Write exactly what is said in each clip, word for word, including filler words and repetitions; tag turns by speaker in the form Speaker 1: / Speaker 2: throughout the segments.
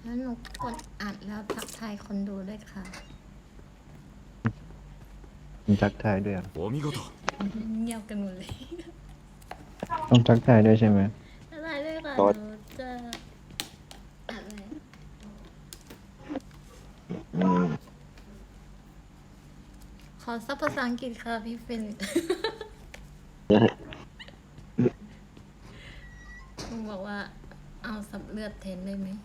Speaker 1: แล้วหนูกดอัดแล้วทักทายคนดูด้วยค่ะ
Speaker 2: ทักทายด้วย
Speaker 3: お見事
Speaker 1: เงียบกันหมดเลย
Speaker 2: ต้องทักทายด้วยใช่ไหม
Speaker 1: อะไรด้วยค่ะหนูจะอะไรขอซับภาษาอังกฤษค่ะพี่เฟลิกลุงบอกว่าเอาสับเลือดแทนได้ไหม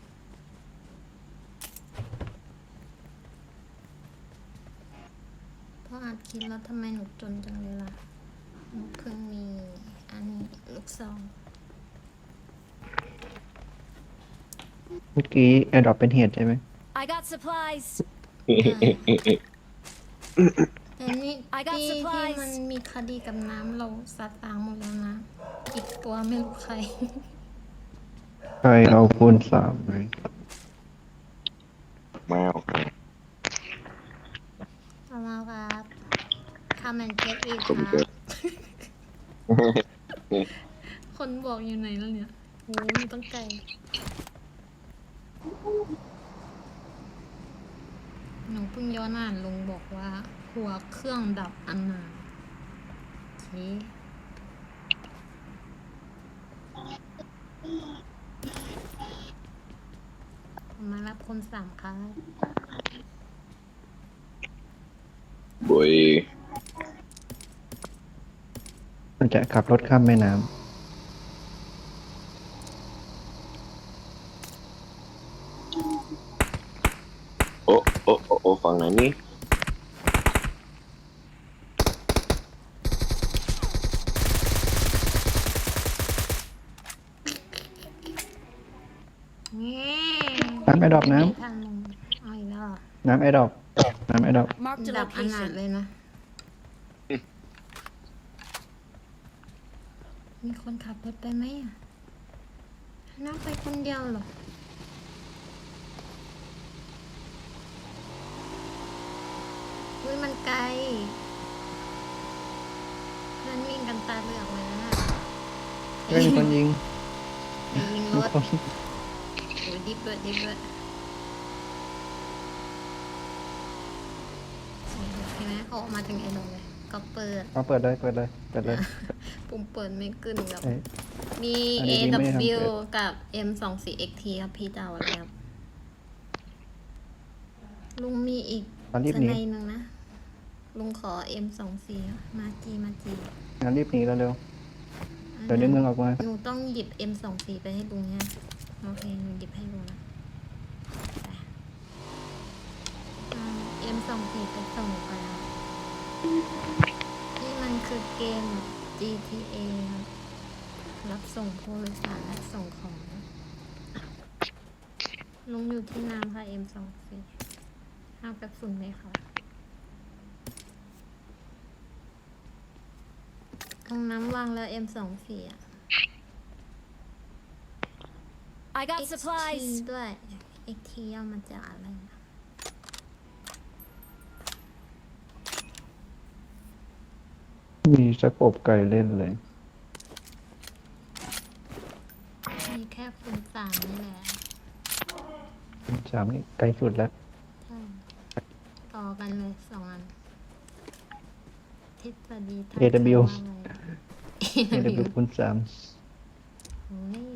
Speaker 1: เพราะอัดคลิปแล้วทำไมหนูจนจังเลยล่ะหนูเพิ่งมีอันนี้ลูกซอง
Speaker 2: เมื่อกี้แอดดอปเป็นเหตุใช่ไหม
Speaker 4: I got supplies.
Speaker 1: แต่นี่
Speaker 4: I got
Speaker 1: ที่ที่
Speaker 4: supplies
Speaker 1: มันมีคดีกับน้ำเราซัดล้างหมดแล้วนะ อีกตัวไม่รู้ใคร
Speaker 2: ใครเอาคูณสามไหม
Speaker 5: แมว
Speaker 1: เอามาครับคามันเก็ตอีกค
Speaker 5: ผม
Speaker 1: รั
Speaker 5: เกิ
Speaker 1: บ
Speaker 5: ด
Speaker 1: คนบอกอยู่ไหนแล้วเนี่ยโอ้ยต้องไกลหนูเพิ่งย้อนอ่านลงบอกว่า หัวเครื่องดับอันนาโอเคมารับคนสามครับ
Speaker 5: บุย
Speaker 2: มันจะขับรถข้ามแม่น้
Speaker 5: โอ้โอ้โอ้โอ้ฝั่งไหนนี่
Speaker 1: นี่
Speaker 2: ำน้ำแอดดอปน้
Speaker 1: ทางลงเอาอีกแล้วเหรอ
Speaker 2: ำน้ำแอดดอปน้ำแอดดอป
Speaker 4: Marked a
Speaker 1: ดับอนาถ
Speaker 4: location.
Speaker 1: เลยนะ มีคนขับรถไปไหมอ่ะน้าไปคนเดียวเหรออุ้ยมันไกล เพื่อนวิ่งกันตาเหลือกเลยนะ
Speaker 2: เฮ้ยมีคนยิง
Speaker 1: ไปยิงร
Speaker 2: มี
Speaker 1: ถ
Speaker 2: คน
Speaker 1: โอ้ยดิบด้วยดิบด้วยเห็นไหมเขาออกมาถึงไอ้นงเลย ก็เปิด
Speaker 2: เอาเปิดเลยเปิดเลยเปิดเลย
Speaker 1: ปุ่มเปิดไม่ขึ้นครับ
Speaker 2: เอ้ย
Speaker 1: มี
Speaker 2: อัน
Speaker 1: เอ
Speaker 2: นี้ไม่ได้ทำ
Speaker 1: ว
Speaker 2: เปิด
Speaker 1: กับ เอ็ม สอง สี่ เอ็กซ์ ที ครับพี่จะเอาอะไรครับ ลุงมีอีก
Speaker 2: ตอนรีบ
Speaker 1: ส
Speaker 2: หนี
Speaker 1: ไนด์หนึ่งนะ ลุงขอ เอ็ม สอง สี่ มาจีมาจี
Speaker 2: งั้นรีบหนีแล้วเร็วเดี๋ยวในเมืองออกมา
Speaker 1: หนูต้องหยิบ เอ็ม สอง สี่ ไปให้ลุงเนี่ยโอเคหนูหยิบให้ลุงนะไปเอา เอ็ม สอง สี่ ไปส่งไปครับนี่มันคือเกม จี ที เอ ครับรับส่งผู้โดยสารและส่งของ ลุงอยู่ที่น้ำค่ะ เอ็ม สอง สี่ห้าวกระสุนไหมคะตรงน้ำวางแล้ว เอ็ม สอง สี่ อ่ะ
Speaker 4: I got
Speaker 1: เอ็กซ์ ที
Speaker 4: supplies.
Speaker 1: ด้วย เอ็กซ์ ที ย่อมาจากอะไรนะ
Speaker 2: มีสกบไก่เล่นเลย
Speaker 1: มีแค่คูณสามนี่แหละ
Speaker 2: สามนี่ไกลสุดแล้ว
Speaker 1: ใช่ ต่อกันเลยสองอันทฤษฎีทาง
Speaker 2: เอ ดับเบิลยู
Speaker 1: การว่าอะไร
Speaker 2: เอ ดับเบิลยู คูณสาม
Speaker 1: โอ้ย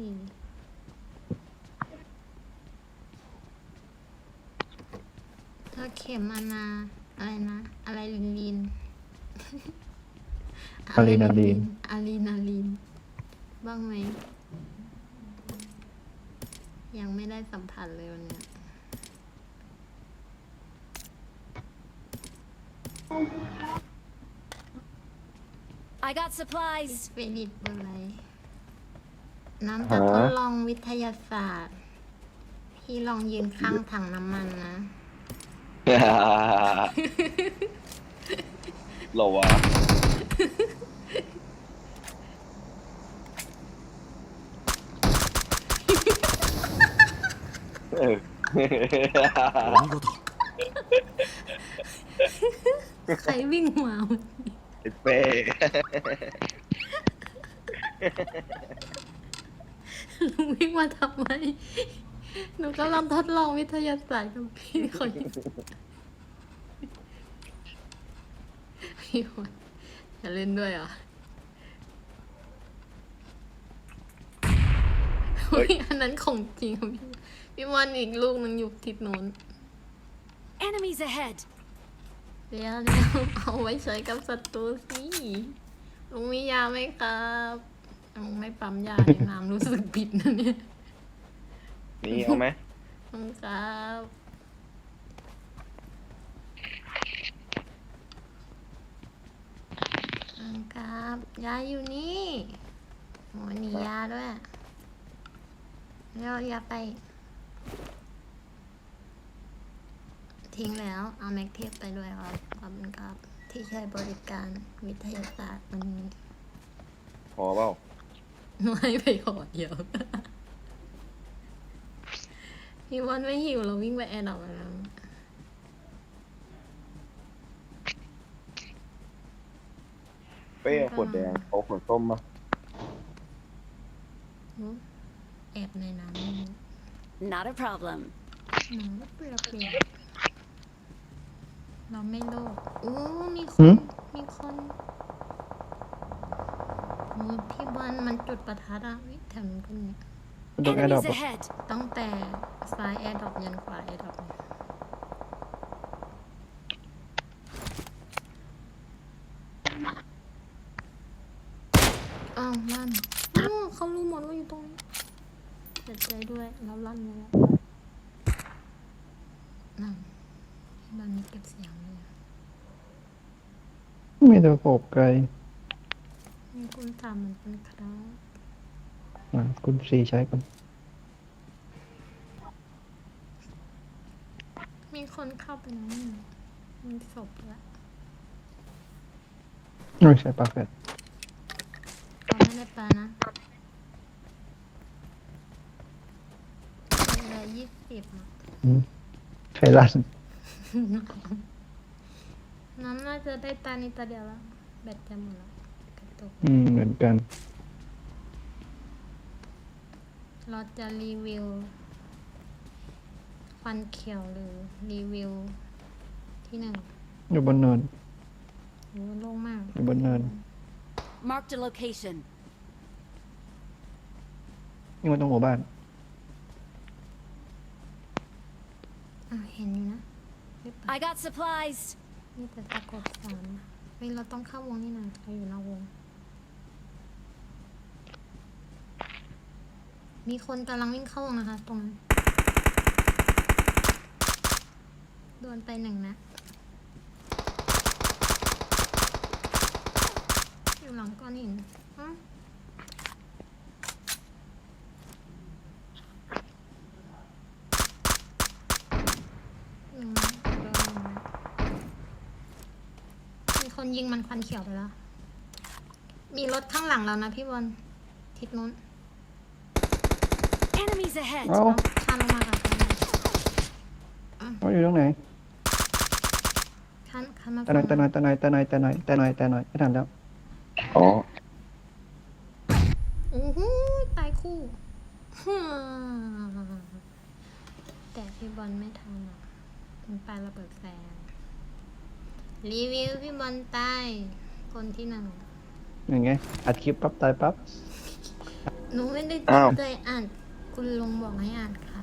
Speaker 1: ถ้าเข็มอานาอะไรนะ อะไรลินลิน
Speaker 2: อะดรีนาลีน
Speaker 1: อะดรีนาลีน บ้างไหม ยังไม่ได้สัมผัสเลยวันเนี้ย
Speaker 4: I got
Speaker 1: ส
Speaker 4: supplies.
Speaker 1: เปริตอะไร น้ำจะทดลองวิทยาศาสตร์ พี่ลองยืนข้างถังน้ำมันนะ
Speaker 5: เหรอวะเออ
Speaker 3: お見事
Speaker 1: ใครวิ่งมา
Speaker 5: ไอ้เป้
Speaker 1: ลุงวิ่งมาทำไมหนูกำลังทดลองวิทยาศาสตร์กับพี่คนนี้พี่คนจะเล่นด้วยเหรออุ๊ยอันนั้นของจริงค่ะพี่พี่วันอีกลูกนึงอยู่ทิศโน้น
Speaker 4: Enemies ahead.
Speaker 1: เดี๋ยวเดี๋ยวเอาไว้ใช้กับศัตรูสิลุงมียาไหมครับลุงไม่ปั๊มยาในน้ำรู้สึกผิดนะเนี่ย
Speaker 5: นี่เอาไหม
Speaker 1: ลุงครับลุงครับยาอยู่นี่โหหนียาด้วยเดี๋ยวยาไป ทิ้งแล้วเอาแม็กเทปไปด้วยครับขอบคุณครับ ที่ใช้บริการวิทยาศาสตร์วันนี้
Speaker 5: พอเปล่า
Speaker 1: ไม่ไปหอดเดียว พี่วันไม่หิวเราวิ่งไปแอร์ดอกแล้ว
Speaker 5: เป้เอาขวดแดงเอาขวดส้มมา
Speaker 1: แอบในน้ำนี่
Speaker 4: Not a problem.
Speaker 1: หนังเปลือกเปลือกเราไม่โลภอู้มีค
Speaker 2: หื
Speaker 1: น
Speaker 2: ม
Speaker 1: มีคนโอ้พี่บอลมันจุดประทัดอะวิแถวนู้นก็มี
Speaker 2: โดนแอร์ดรอป
Speaker 4: Enemies ahead.
Speaker 1: ตั้งแต่ซ้ายแอร์ดรอปยันขวาแอร์ดรอปอ้าวลั่นอ้าวเขารู้หมดว่าอยู่ตรงนี้เสียใจด้วยแล้วลั่นไปแล้วนั่นที่บ้านนี้เก็บเสียงเลยอะ
Speaker 2: มีแต่โขบไกล
Speaker 1: มีคุณถามเหมือนกันครับ
Speaker 2: อ่ะคุณสีใช้กัน
Speaker 1: มีคนเข้าไปแล้วนี่มีศพแล้ว
Speaker 2: ไม่ใช่ปลาแฟด
Speaker 1: เราไม่ได้ปลานะเหลือยี่สิบอะ
Speaker 2: อืมใครลั่น
Speaker 1: น้ำน่าจะได้ตานี้ตาเดียวแล้วแบตจะหมดแล้วกระตุก
Speaker 2: อืมเหมือนกัน
Speaker 1: เราจะรีวิวฟันเขียวหรือรีวิวที่หนึ่ง
Speaker 2: อยู่บนเนิน
Speaker 1: โอ้โล่งมาก
Speaker 2: อยู่บนเนิน
Speaker 4: Marked a location.
Speaker 2: นี่มันตรงหมู่บ้าน
Speaker 1: อ่ะเห็นอยู่นะหรือเปล่า
Speaker 4: I got supplies.
Speaker 1: นี่แต่ตะกดสอนเฮ้ยเราต้องเข้าวงนี่นะเราอยู่นอกวง มีคนกำลังวิ่งเข้าวงนะคะ ตรงนั้นโดนไปหนึ่งนะอยู่หลังก้อนหินอ้าวหนึ่งนะโดนหนึ่งนะมีคนยิงมันควันเขียวไปแล้ว มีรถข้างหลังเรานะพี่บอลทิศนู้น
Speaker 4: Enemies ahead.
Speaker 2: เอ้า
Speaker 1: ข้ามลงมาค่ะ
Speaker 2: เขาอยู่ตรงไหน
Speaker 1: ข้ามข้ามมา
Speaker 2: ตะหนอยตะหนอยตะหนอยตะหนอยตะหนอยตะหนอยตะหนอยไม่ทันแล้ว
Speaker 5: อ๋อ
Speaker 1: โอ้โหตายคู่ ฮ่าแต่พี่บอลไม่ทันอ่ะมันไประเบิดแฟนรีวิวพี่บอลตายคนที่หนึ่ง
Speaker 2: อย่างไงอัดคลิปปั๊บตายปั๊บ
Speaker 1: หนูไม่ได้
Speaker 5: อ้าว
Speaker 1: ใจอ่าน คุณลุงบอกให้อ่านค่ะ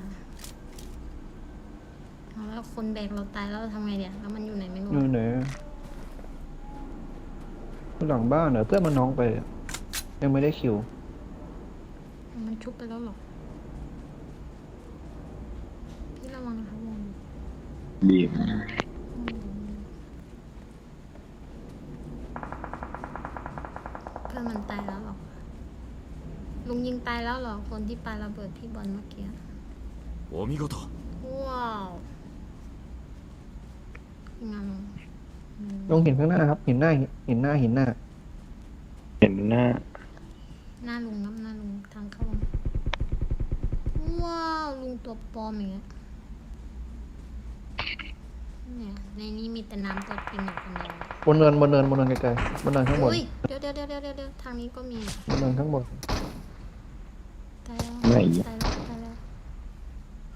Speaker 1: เอาแล้วคนแบกเราตายแล้วเราทำไงเดี๋ยวแล้วมันอยู่ไหนไม่รู้
Speaker 2: นู่นเหนือหลังบ้านเหรอเพื่อนมันน้องไปอะยังไม่ได้คิว
Speaker 1: มันชุบไปแล้วเหรอ พี่ระวังนะคะวง
Speaker 5: บีบ
Speaker 1: เพื่อนมันตายแล้วเหรอ ลุงยิงตายแล้วเหรอ คนที่ปาระเบิดพี่บอลเมื่อกี้
Speaker 3: お見事。
Speaker 1: ว้าวงาม
Speaker 2: ลงหินข้างหน้าครับหินหน้าหินหน้าหินหน้า
Speaker 5: เห็นหน้า
Speaker 1: หน้าลุงครับหน้าลุงทางเข้าว้าวลุงตัวปลอมอย่างเงี้ยเนี่ยในนี้มีแต่น้ำตัวจริงอยู่คนเดียว
Speaker 2: บนเนินบนเนินบนเนินไกลๆบนเนินข้างบน
Speaker 1: อุ้ยเดี๋ยวเดี๋ยวเดี๋ยวเดี๋ยวเดี๋ยวทางนี้ก็มี
Speaker 2: บนเนินข้างบน
Speaker 1: ตายแล้ว
Speaker 5: ไม่
Speaker 1: ตายแล้วตายแล้ว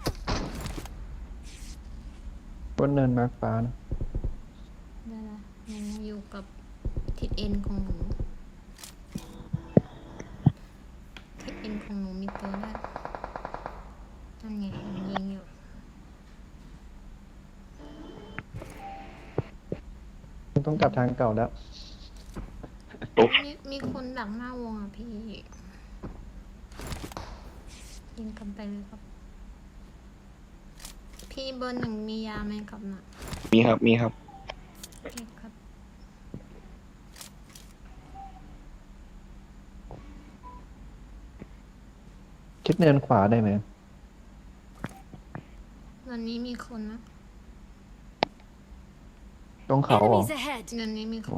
Speaker 2: บนเนินมาร์คฟ้านะ
Speaker 1: ได้ละหนูอยู่กับทิศเอ็นของหนูทิศเอ็นของหนูมีตัวด้วยนั่นไงมันยิงอยู่
Speaker 2: ต้องกลับทางเก่าแล้ว
Speaker 1: มีมีคนดักหน้าวงอ่ะพี่ยิงกันไปเลยครับ พี่เบอร์หนึ่งมียาไหมครับน่ะ
Speaker 5: มีครับมีครับ
Speaker 1: โอเคครับ
Speaker 2: คิดเนินขวาได้ไหม
Speaker 1: วันนี้มีคนนะ
Speaker 2: ตรงเขาเหรอ
Speaker 4: Enemies ahead.
Speaker 1: เดือนนี้มีค
Speaker 2: อ๋อน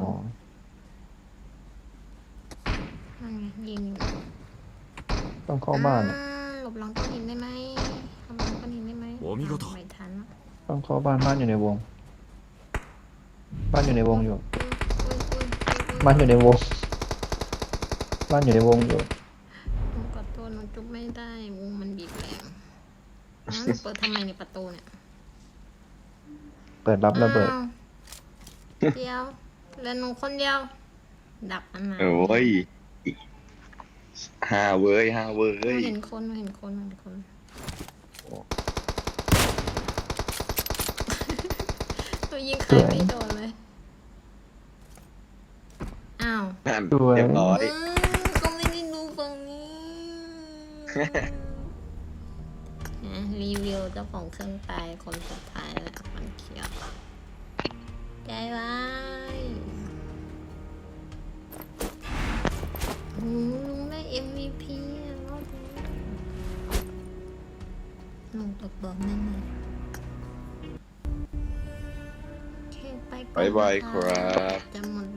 Speaker 1: นั่นไงยิงอยู่
Speaker 2: ต้องเข้าบ้านอะ
Speaker 1: อ่หลบหลังก้อนหินได้ไหมหลบหลังก้อนหินได้ไหม
Speaker 3: โอ้มีก็ต่อ
Speaker 1: ไม่ทันละ
Speaker 2: ต้องเข้าบ้านบ้านอยู่ในวง บ้านอยู่ในวงอยู่
Speaker 1: อุ๊ยอุ๊ยอุ๊ยอุ๊ย
Speaker 2: บ้านอยู่ในวง บ้านอยู่ในวงอยู่
Speaker 1: หนูขอโทษหนูจุบไม่ได้วงมันบีบแรงอ้าวหนูเปิดทำไมในประตูเนี่ย
Speaker 2: เปิดรับระเบิด
Speaker 1: อ้าวเดียวเหลือหนูคนเดียว ดับอันนั้น
Speaker 5: โอ้ยห้าเว้ยห้าเว้
Speaker 1: หนู
Speaker 5: ย
Speaker 1: เห็นคนหนูเห็นคนหนูเห็นคนหนูยิงใครไม่โดนเลย อ้าว
Speaker 5: นั่น
Speaker 2: สวย
Speaker 5: เรียบร้อย
Speaker 1: อืมก็ไม่ได้ดูฝั่งนี้ นะรีวิวเจ้าของเครื่องตายคนสุดท้ายแล้วมันเขียวใจร้ายโอ้ลุงได้ เอ็ม วี พี อะรอบนี้ลุงตกบอกแน่นอนโอเคไปก่อน
Speaker 5: บ๊ายบาย
Speaker 1: นะะ
Speaker 5: ครับ
Speaker 1: จะหมด